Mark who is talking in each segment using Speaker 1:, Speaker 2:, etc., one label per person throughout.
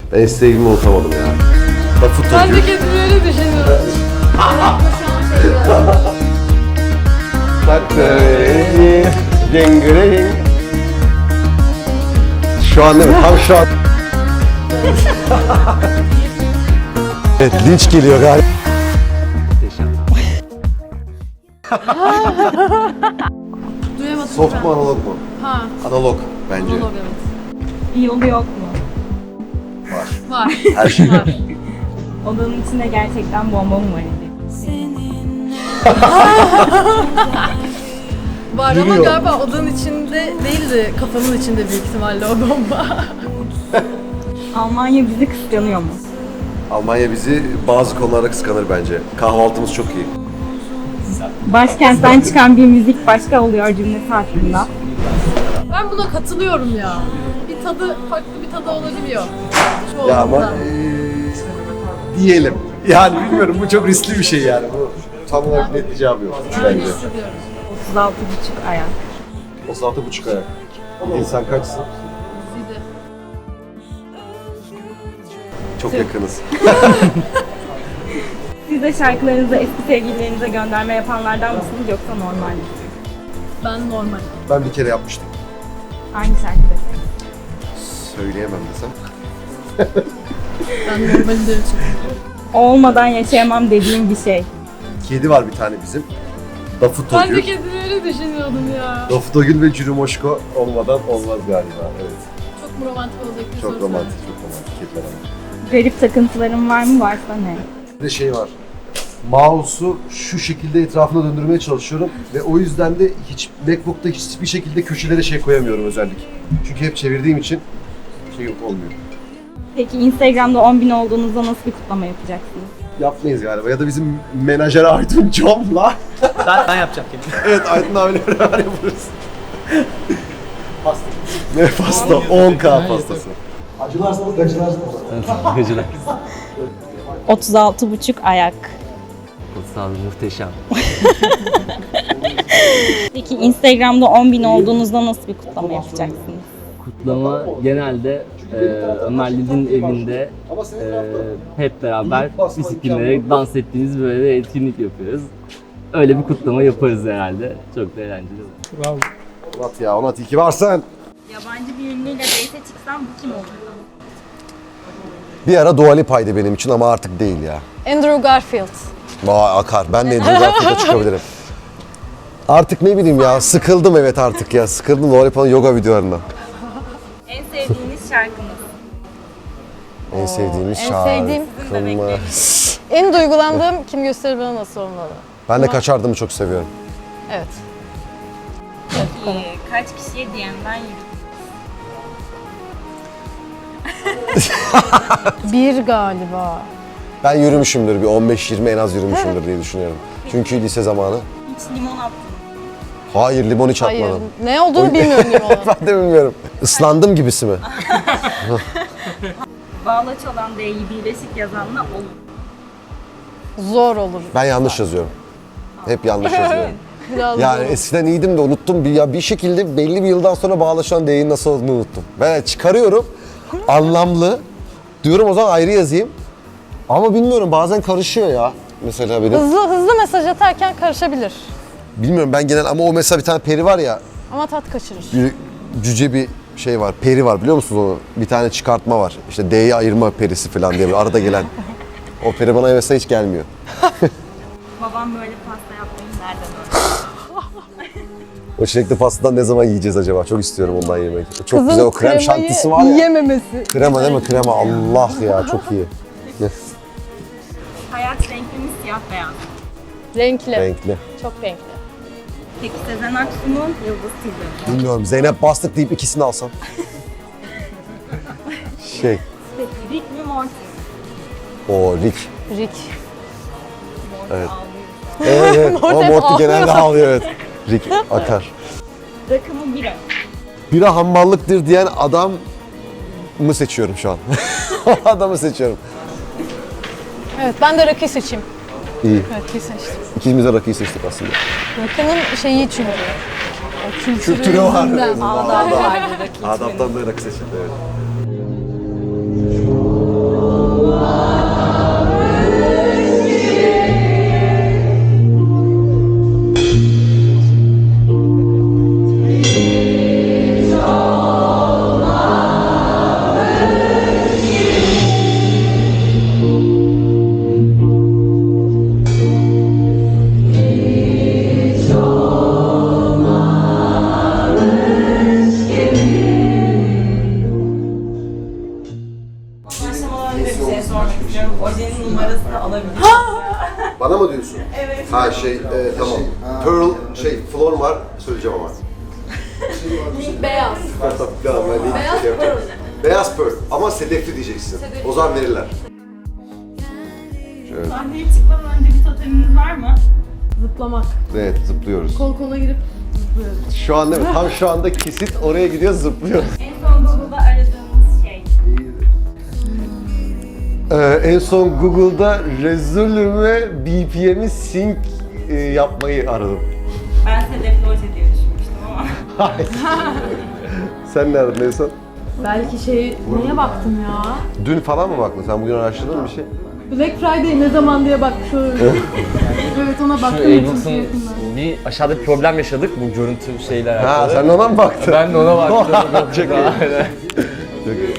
Speaker 1: Ben sevgimi unutamadım ya. Lafı
Speaker 2: Ben de kendimi öyle düşünüyorum.
Speaker 1: Şu an değil mi? Tam şu an. Evet, linç geliyor galiba.
Speaker 2: Duyamadım.
Speaker 1: Soft mu analog mu?
Speaker 2: Ha.
Speaker 1: Analog bence.
Speaker 2: Analog evet.
Speaker 3: Bir yolu yok mu?
Speaker 2: Var.
Speaker 1: Her şey var.
Speaker 3: Odanın içinde gerçekten bomba mı var?
Speaker 2: Var ama
Speaker 1: Yürüyor.
Speaker 2: galiba odanın içinde değil de kafamın içinde büyük ihtimalle o bomba.
Speaker 3: Almanya bizi kıskanıyor mu?
Speaker 1: Almanya bizi bazı konularda kıskanır bence. Kahvaltımız çok iyi.
Speaker 3: Başkentten çıkan bir müzik başka oluyor cümlesi hakkında.
Speaker 2: Ben buna katılıyorum ya. Bir tadı, farklı bir tadı olabiliyor. Şu
Speaker 1: Ya ama
Speaker 2: olduğunda.
Speaker 1: diyelim. Yani bilmiyorum, bu çok riskli bir şey yani. Bu tam olarak net bir cevabı yok
Speaker 2: Ben
Speaker 1: bence.
Speaker 2: hissediyorum.
Speaker 3: 36,5 ayak.
Speaker 1: 36,5 ayak. İnsan kaçsın?
Speaker 2: Bir de.
Speaker 1: Çok yakınız.
Speaker 3: Siz de şarkılarınızı eski sevgililerinize gönderme yapanlardan mısınız yoksa normal mi?
Speaker 2: Ben normal.
Speaker 1: Ben bir kere yapmıştım.
Speaker 3: Hangi şarkıda?
Speaker 1: Söyleyemem desem.
Speaker 2: Ben normali de çok.
Speaker 3: Olmadan yaşayamam dediğim bir şey.
Speaker 1: Kedi var bir tane bizim.
Speaker 2: Ben de
Speaker 1: Dafutogül.
Speaker 2: kendimi öyle düşünüyordum ya.
Speaker 1: Dafutogül ve Cürümoşko olmadan olmaz galiba. Evet.
Speaker 2: Çok mu romantik olacak bir
Speaker 1: Çok
Speaker 2: soru
Speaker 1: romantik, çok romantik kediler ama.
Speaker 3: Garip takıntılarım var mı? Varsa ne?
Speaker 1: Bir de şey var. Mouse'u şu şekilde etrafına döndürmeye çalışıyorum ve o yüzden de MacBook'ta hiçbir şekilde köşelere şey koyamıyorum özellik. Çünkü hep çevirdiğim için şey yok, olmuyor.
Speaker 3: Peki Instagram'da 10.000 olduğunuzda nasıl bir kutlama yapacaksınız?
Speaker 1: Yapmayız galiba ya da bizim menajer Aydın Com'la.
Speaker 4: Ben yapacağım kendimi.
Speaker 1: Evet, Aydın abiyle beraber yaparız. Pasta. Ne pasta? 10K pastası. Acılarsanız gacılarsınız.
Speaker 4: Gıcılar.
Speaker 3: 36,5 ayak.
Speaker 4: Sağ olun, muhteşem.
Speaker 3: Peki Instagram'da 10.000 olduğunuzda nasıl bir kutlama yapacaksınız?
Speaker 4: Kutlama genelde Ömer Lid'in evinde hep beraber bisikletlere dans ettiğimiz böyle bir etkinlik yapıyoruz. Öyle bir kutlama yaparız herhalde. Çok da eğlenceli olur.
Speaker 1: Onat ya, Onat iyi ki varsın.
Speaker 3: Yabancı bir ünlüyle date'e çıksam bu kim olur?
Speaker 1: Bir ara Dua Lipa'ydı benim için ama artık değil ya.
Speaker 2: Andrew Garfield.
Speaker 1: Vay akar. Ben de Andrew Garfield'a çıkabilirim. Artık ne bileyim ya, sıkıldım evet artık ya. Sıkıldım Dua Lipa'nın yoga videolarından.
Speaker 3: En sevdiğiniz şarkınız?
Speaker 1: En sevdiğimiz
Speaker 2: en sevdiğim-
Speaker 1: şarkımız.
Speaker 2: En duygulandığım kim gösterir bana nasıl olmalı?
Speaker 1: Ben de Kaçardım'ı çok seviyorum.
Speaker 2: Evet.
Speaker 3: Peki kaç kişiye DM'den yürüdünüz?
Speaker 2: Bir galiba.
Speaker 1: Ben yürümüşümdür, bir 15-20 en az yürümüşümdür diye düşünüyorum. Çünkü lise zamanı.
Speaker 3: Hiç limon attınız.
Speaker 1: Hayır, limon hiç
Speaker 2: Hayır.
Speaker 1: atmadım.
Speaker 2: Ne olduğunu bilmiyorum limonun.
Speaker 1: Ben de bilmiyorum. Islandım gibisi mi?
Speaker 3: Bağlaç olan D'yi birleşik yazanla olur.
Speaker 2: Zor olur.
Speaker 1: Ben yanlış yazıyorum. Hep yanlış yazıyorum.
Speaker 2: Biraz
Speaker 1: Yani
Speaker 2: zor.
Speaker 1: eskiden iyiydim de unuttum. Bir şekilde belli bir yıldan sonra bağlaşan D'nin nasıl olduğunu unuttum. Ben çıkarıyorum, anlamlı. Diyorum o zaman ayrı yazayım. Ama bilmiyorum, bazen karışıyor ya. Mesela benim.
Speaker 2: Hızlı mesaj atarken karışabilir.
Speaker 1: Bilmiyorum ben genel, ama o mesela bir tane peri var ya.
Speaker 2: Ama tat kaçırır.
Speaker 1: Bir cüce bir şey var, peri var, biliyor musunuz onu? Bir tane çıkartma var. İşte D'yi ayırma perisi falan diye bir arada gelen. O peri bana mesela hiç gelmiyor.
Speaker 3: Babam böyle pasta yapmayı nereden öğrendi?
Speaker 1: O çilekli pastadan ne zaman yiyeceğiz acaba? Çok istiyorum ondan yemek. Çok
Speaker 2: Kızın
Speaker 1: güzel o krem
Speaker 2: kremayı
Speaker 1: şantisi var ya.
Speaker 2: yiyememesi.
Speaker 1: Krema değil mi? Krema. Allah ya, çok iyi.
Speaker 3: Hayat renkli mi siyah beyaz?
Speaker 2: Renkli.
Speaker 1: Renkli.
Speaker 2: Çok renkli.
Speaker 3: Peki Sezen Aksu mu Yıldız Tilbe mi?
Speaker 1: Bilmiyorum, Zeynep Bastık deyip ikisini alsam. Şey,
Speaker 3: Peki Rick mi Morty mi?
Speaker 1: o Rick.
Speaker 2: Rick.
Speaker 1: Evet. Evet, ama
Speaker 2: Morty
Speaker 1: Morty
Speaker 2: ağlıyor.
Speaker 1: genelde ağlıyor, evet. Rick akar.
Speaker 3: Rakı mı bira?
Speaker 1: Bira hammallıktır diyen adam mı seçiyorum şu an? O adamı seçiyorum.
Speaker 2: Evet ben de rakı seçeyim.
Speaker 1: İyi.
Speaker 2: Rakıyı seçtim.
Speaker 1: İkimiz de rakıyı seçtik aslında.
Speaker 2: Rakının şeyi çünkü. O
Speaker 1: Kültürü var.
Speaker 2: yüzünden.
Speaker 1: Evet.
Speaker 3: Ağlar vardı rakı
Speaker 1: Adaptan da rakı seçildi, evet.
Speaker 3: Ben de bir şey sormak istiyorum. Ojenin numarasını alabilir miyim?
Speaker 1: Bana mı diyorsun?
Speaker 3: Evet.
Speaker 1: Ha tamam. Pearl flor var söyleyeceğim ama.
Speaker 2: Beyaz. Beyaz pearl.
Speaker 1: Beyaz pearl ama sedefli diyeceksin. O zaman verirler.
Speaker 3: Sahneye çıkmadan önce bir toteminiz var mı?
Speaker 2: Zıplamak.
Speaker 1: Evet zıplıyoruz.
Speaker 2: Kol kola girip zıplıyoruz.
Speaker 1: Şu an değil mi? Tam şu anda kesit oraya gidiyor zıplıyoruz.
Speaker 3: En son Google'da aradığınız şey.
Speaker 1: En son Google'da rezolüme BPM'i sync yapmayı aradım.
Speaker 3: Ben sedefli oje diye düşünmüştüm ama.
Speaker 1: Sen ne aradın en son?
Speaker 2: Belki neye baktım ya?
Speaker 1: Dün falan mı baktın? Sen bugün araştırdın mı bir şey?
Speaker 2: Black Friday ne zaman diye bakmış olabilirim. Evet ona
Speaker 4: Şu
Speaker 2: baktım.
Speaker 4: Ableton bir aşağıda bir problem yaşadık bu görüntü şeyle alakalı.
Speaker 1: Ha sen de ona mı baktın?
Speaker 4: Ben de ona baktım.
Speaker 1: Çok iyi.
Speaker 4: Aynen.
Speaker 1: Çok iyi.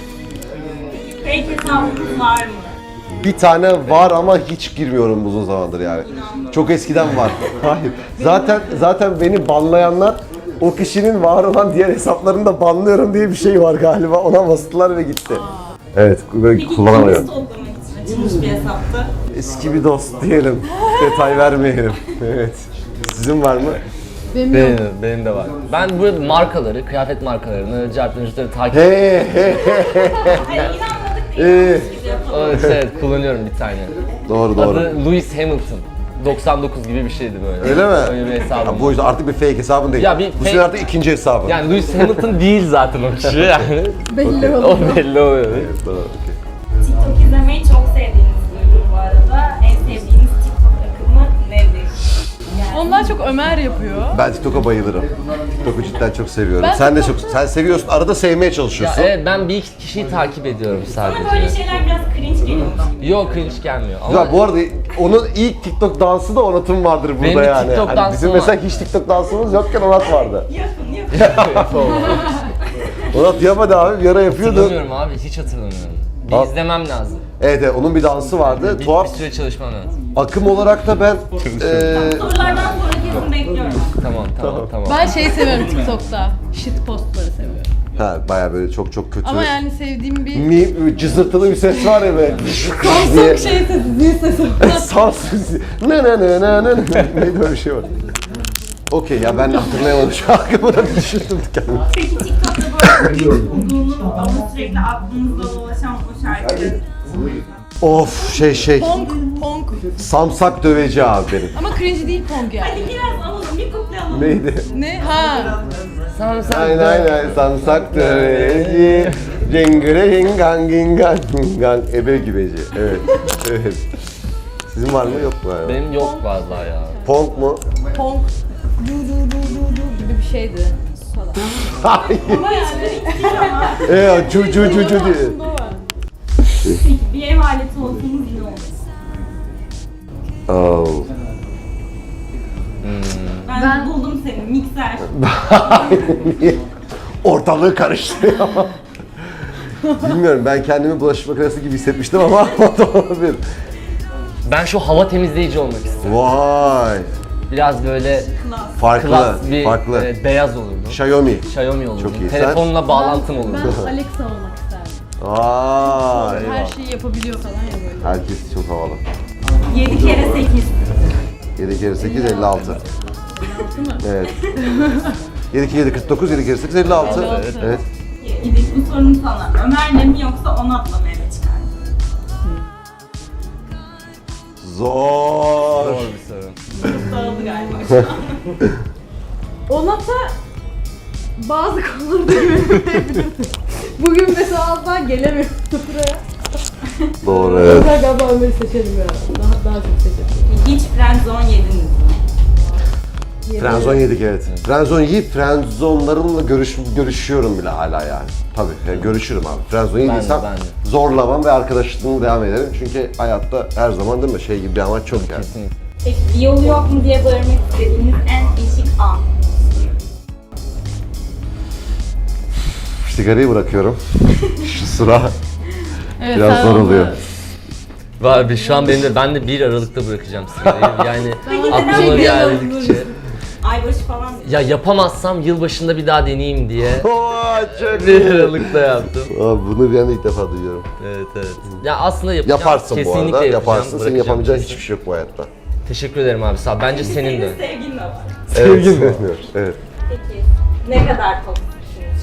Speaker 3: Fake hesabınız var mı?
Speaker 1: Bir tane var ama hiç girmiyorum uzun zamandır yani. Çok eskiden var. Hayır. Zaten beni banlayanlar o kişinin var olan diğer hesaplarını da banlıyorum diye bir şey var galiba. Ona bastılar ve gitti. Evet, böyle
Speaker 3: Peki
Speaker 1: kullanamıyorum.
Speaker 3: kimisi toplamak için açılmış bir hesaptı.
Speaker 1: Eski bir dost diyelim. Detay vermeyelim. Evet. Sizin var mı?
Speaker 2: Benim yok.
Speaker 4: Benim de var. Ben bu markaları, kıyafet markalarını, cartlarını takip
Speaker 1: He he.
Speaker 3: Hayır inanmadık değil. Gibi yapalım.
Speaker 4: Evet, kullanıyorum bir tane.
Speaker 1: Doğru.
Speaker 4: Adı Lewis Hamilton. 99 gibi bir şeydi böyle.
Speaker 1: Öyle mi?
Speaker 4: Öyle bir hesabım.
Speaker 1: Ya bu yüzden artık bir fake hesabın değil.
Speaker 4: Ya bir
Speaker 1: Bu
Speaker 4: fake-
Speaker 1: senin artık ikinci hesabın.
Speaker 4: Yani Lewis Hamilton değil zaten o kişi yani.
Speaker 2: Belli
Speaker 4: O
Speaker 2: oluyor.
Speaker 4: belli oluyor.
Speaker 1: Evet, doğru, okey.
Speaker 3: TikTok izlemeyi çok sevdiğinizi duydum bu arada. En sevdiğiniz TikTok akımı nedir? Yani
Speaker 2: Ondan çok Ömer yapıyor.
Speaker 1: Ben TikTok'a bayılırım. TikTok'u cidden çok seviyorum.
Speaker 2: Ben
Speaker 1: Sen de
Speaker 2: TikTok-
Speaker 1: çok, sen seviyorsun. Arada sevmeye
Speaker 4: Ya
Speaker 1: çalışıyorsun.
Speaker 4: evet ben bir iki kişiyi takip ediyorum sadece.
Speaker 3: bana böyle şeyler biraz cringe geliyormuş.
Speaker 4: Yok cringe gelmiyor ama
Speaker 1: Ya bu arada onun ilk TikTok dansı da Onat'ın vardır burada
Speaker 4: Benim bir
Speaker 1: yani.
Speaker 4: TikTok
Speaker 1: Hani
Speaker 4: dansım
Speaker 1: bizim
Speaker 4: var.
Speaker 1: mesela hiç TikTok dansımız yokken Onat vardı.
Speaker 3: Yapın.
Speaker 1: Onat yapmadı abi, bir ara yapıyordu.
Speaker 4: hatırlamıyorum abi hiç hatırlamıyorum. Bir
Speaker 1: Al.
Speaker 4: izlemem lazım.
Speaker 1: Evet, onun bir dansı vardı.
Speaker 4: Bir
Speaker 1: Tuhaf.
Speaker 4: süre çalışmam lazım.
Speaker 1: Akım olarak da ben
Speaker 3: Sorulardan sonra kesin bekliyorum.
Speaker 4: Tamam.
Speaker 2: Ben seviyorum TikTok'ta. Shit postları seviyorum.
Speaker 1: bayağı böyle çok kötü.
Speaker 2: Ama yani sevdiğim bir
Speaker 1: Cızırtılı bir ses var ya böyle.
Speaker 2: Samsung sesi, zil sesi.
Speaker 1: Samsung. Neydi öyle bir şey var. Okey ya ben hatırlayamadım şu akımı da düşündüm kendimi.
Speaker 3: Peki TikTok'ta böyle bulduğunuz ama sürekli aklınızda dolaşan o şarkı.
Speaker 1: Of
Speaker 2: Pong.
Speaker 1: Samsak döveci abi benim.
Speaker 2: Ama cringe değil Pong yani.
Speaker 3: Hadi biraz alalım, bir kuple alalım.
Speaker 1: Neydi?
Speaker 2: Ne? Ha.
Speaker 1: Aynen samsak döveci. Cengire gingan gingan gingan. Ebe gibeci. Evet. Sizin var mı yok mu? Yani?
Speaker 4: Benim yok vallahi ya.
Speaker 1: Pong mu?
Speaker 2: Pong. Du gibi bir şeydi. Falan.
Speaker 1: Hayır.
Speaker 3: Ama yani
Speaker 1: Cu diye.
Speaker 2: Aslında o var.
Speaker 3: peki bir ev aleti olsanız ne olur?
Speaker 1: Oh.
Speaker 3: Ben buldum seni, mikser.
Speaker 1: Ortalığı karıştırıyor. Bilmiyorum, ben kendimi bulaşık makinesi gibi hissetmiştim ama o da olabilir.
Speaker 4: Ben şu hava temizleyici olmak istiyorum.
Speaker 1: Vay.
Speaker 4: Biraz böyle
Speaker 1: Farklı.
Speaker 4: klas bir
Speaker 1: Farklı.
Speaker 4: beyaz olurdu.
Speaker 1: Xiaomi.
Speaker 4: Xiaomi olurdu.
Speaker 1: Çok iyi.
Speaker 4: Telefonla bağlantım olurdu.
Speaker 2: Ben Alexa olmak isterdim.
Speaker 1: Vay.
Speaker 2: Her şeyi yapabiliyor falan ya böyle.
Speaker 1: Herkes çok havalı.
Speaker 3: 7 kere 8.
Speaker 1: 7 kere 8 56. Evet. 7 kere 7 49, 7 kere 8 56. Evet.
Speaker 3: İdil bu sorun sana. Ömer'le mi yoksa Onat'la mı eve çıkardın?
Speaker 1: Zor.
Speaker 4: Zor bir soru.
Speaker 3: Dağıldı galiba şu an.
Speaker 2: Onat'a bazı konularda güvenebilirsin. Bugün mesela asla gelemiyorum buraya.
Speaker 1: Doğru evet.
Speaker 2: Ben galiba Ömer'i seçelim ya. Daha çok seçelim.
Speaker 3: Hiç friendzone yediniz mi?
Speaker 1: Frenzon yedik evet. Frenzon yiyip frenzonlarımla görüşüyorum bile hala yani. Tabii yani görüşürüm abi. Frenzon yediysem
Speaker 4: ben de.
Speaker 1: zorlamam ve arkadaşlığımı devam ederim. Çünkü hayatta her zaman değil mi şey gibi bir amaç çok yani.
Speaker 4: Kesinlikle.
Speaker 3: Peki bir yolu yok mu diye bağırmak istediğiniz en eşik an.
Speaker 1: Sigarayı bırakıyorum. Şu sıra
Speaker 2: Evet,
Speaker 1: biraz
Speaker 2: sen
Speaker 1: zor
Speaker 2: onu-
Speaker 1: oluyor.
Speaker 4: Var bir şu an ben de 1 Aralık'ta bırakacağım sigarayı. Yani
Speaker 3: Peki
Speaker 4: aklıma
Speaker 3: neden
Speaker 4: geldikçe.
Speaker 3: Aybaşı falan.
Speaker 4: Ya yapamazsam yılbaşında bir daha deneyeyim diye
Speaker 1: Çok
Speaker 4: bir aralıkta yaptım.
Speaker 1: Abi bunu ben de ilk defa duyuyorum.
Speaker 4: Evet. Ya aslında yapacağım.
Speaker 1: Yaparsın bu
Speaker 4: Kesinlikle
Speaker 1: arada,
Speaker 4: yapacağım,
Speaker 1: yaparsın. Senin
Speaker 4: bırakacağım
Speaker 1: yapamayacağın
Speaker 4: kesin.
Speaker 1: hiçbir şey yok bu hayatta.
Speaker 4: Teşekkür ederim abi sağ ol. Bence senin de.
Speaker 3: Senin sevgin ne yapar?
Speaker 1: Sevgin mi? Evet.
Speaker 3: Peki ne kadar toksiksiniz?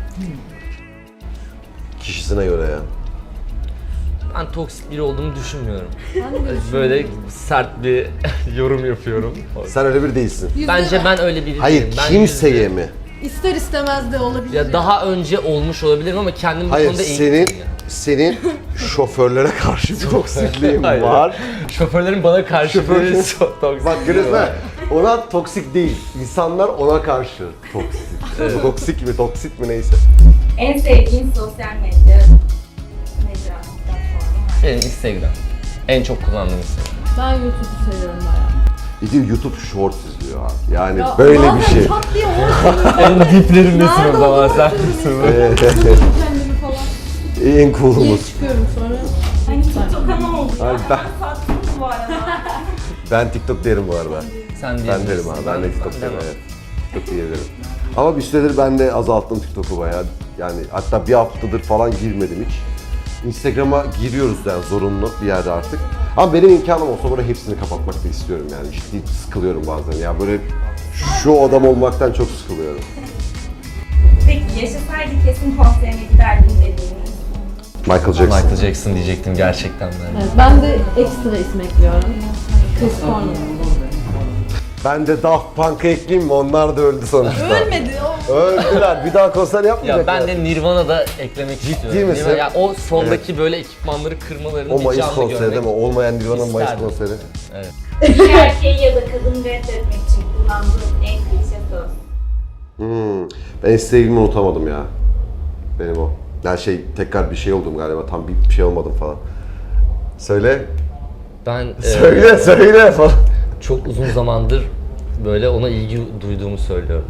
Speaker 1: Kişisine göre ya.
Speaker 4: Ben toksik biri olduğumu düşünmüyorum.
Speaker 2: Ben de böyle
Speaker 4: Böyle sert bir yorum yapıyorum.
Speaker 1: Sen öyle bir değilsin.
Speaker 4: Bence ben öyle biri
Speaker 1: Hayır,
Speaker 4: değilim. Ben
Speaker 1: kimseye mi?
Speaker 2: İster istemez de olabilir.
Speaker 4: Ya daha önce olmuş olabilirim ama kendim bu
Speaker 1: Hayır,
Speaker 4: konuda eğitimliyim.
Speaker 1: senin şoförlere karşı bir toksikliğin
Speaker 4: Hayır.
Speaker 1: var.
Speaker 4: Şoförlerin bana karşı böyle toksik.
Speaker 1: Bak görüyorsun ha, ona toksik değil. İnsanlar ona karşı toksik. Toksik mi, toksit mi neyse.
Speaker 3: En sevdiğin sosyal medya platformu var.
Speaker 4: Benim Instagram. En çok kullandığım Instagram.
Speaker 2: Ben YouTube'u seviyorum bayağı.
Speaker 1: Bir de YouTube Shorts izliyor abi. Yani
Speaker 2: Ya
Speaker 1: böyle
Speaker 2: bazen
Speaker 1: bir şey.
Speaker 2: çat diye orada
Speaker 4: En diplerimdesin
Speaker 2: nerede
Speaker 4: o zaman
Speaker 2: olduğunu
Speaker 4: sen.
Speaker 2: unutuyorum. Kendimi falan.
Speaker 1: En cool'umuz.
Speaker 2: Niye çıkıyorum sonra?
Speaker 3: Hani TikTok'a ne oldu ya?
Speaker 1: Ay,
Speaker 3: Hemen sattınız bu arada.
Speaker 1: Ben TikTok derim bu arada.
Speaker 4: Sen
Speaker 1: Ben derim
Speaker 4: diyebilirsin.
Speaker 1: abi. Ben de TikTok derim.
Speaker 4: demem.
Speaker 1: Evet. TikTok diyebilirim. Ama bir süredir ben de azalttım TikTok'u bayağı. Yani hatta bir haftadır falan girmedim hiç. Instagram'a giriyoruz yani zorunlu bir yerde artık. Ama benim imkanım olsa böyle hepsini kapatmak da istiyorum yani. Ciddi sıkılıyorum bazen. Ya böyle şu adam olmaktan çok sıkılıyorum.
Speaker 3: Peki yaşasaydı kesin konserine giderdim dediğiniz.
Speaker 1: Michael Jackson.
Speaker 4: Michael Jackson diyecektim gerçekten ben.
Speaker 2: Evet, ben de ekstra isim ekliyorum. Chris Cornell.
Speaker 1: Ben de Daft Punk'a ekleyeyim mi? Onlar da öldü sonuçta.
Speaker 2: Ölmedi o.
Speaker 1: Öldüler. Bir daha konser yapmayacaklar.
Speaker 4: Ya ben de Nirvana'da eklemek istiyorum.
Speaker 1: misin?
Speaker 4: Nirvana, ya o soldaki böyle ekipmanları kırmalarını
Speaker 1: O
Speaker 4: bir
Speaker 1: Mayıs
Speaker 4: canlı
Speaker 1: konseri
Speaker 4: görmek.
Speaker 1: değil mi? Olmayan Nirvana'nın Mayıs
Speaker 4: İsterdim.
Speaker 1: konseri.
Speaker 3: Bir erkeği ya da kadını reddetmek için kullandığın en klişe söz.
Speaker 1: Ben eski sevgilimi unutamadım ya. Benim o. Yani tekrar bir şey oldum galiba. Tam bir şey olmadım falan. Söyle.
Speaker 4: Ben
Speaker 1: Söyle falan.
Speaker 4: çok uzun zamandır böyle ona ilgi duyduğumu söylüyorum.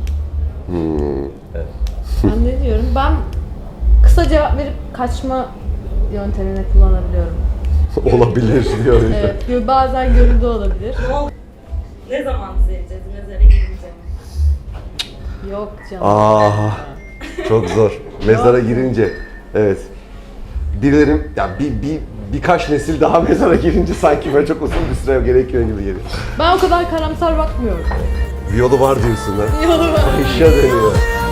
Speaker 2: Ben ne diyorum? Ben kısa cevap verip kaçma yöntemini kullanabiliyorum.
Speaker 1: Olabilir diyor işte.
Speaker 2: Evet, bazen görüldü olabilir.
Speaker 3: Ne oldu? Ne zaman düzeleceğiz? Mezara girince mi?
Speaker 2: Yok canım.
Speaker 1: Çok zor. Mezara girince. Evet. Dilerim ya birkaç nesil daha mezara girince sanki böyle çok uzun bir süre gerekiyor gibi geliyor.
Speaker 2: Ben o kadar karamsar bakmıyorum.
Speaker 1: Bir yolu var diyorsun ha.
Speaker 2: Yolu var.
Speaker 1: İşe dönüyor.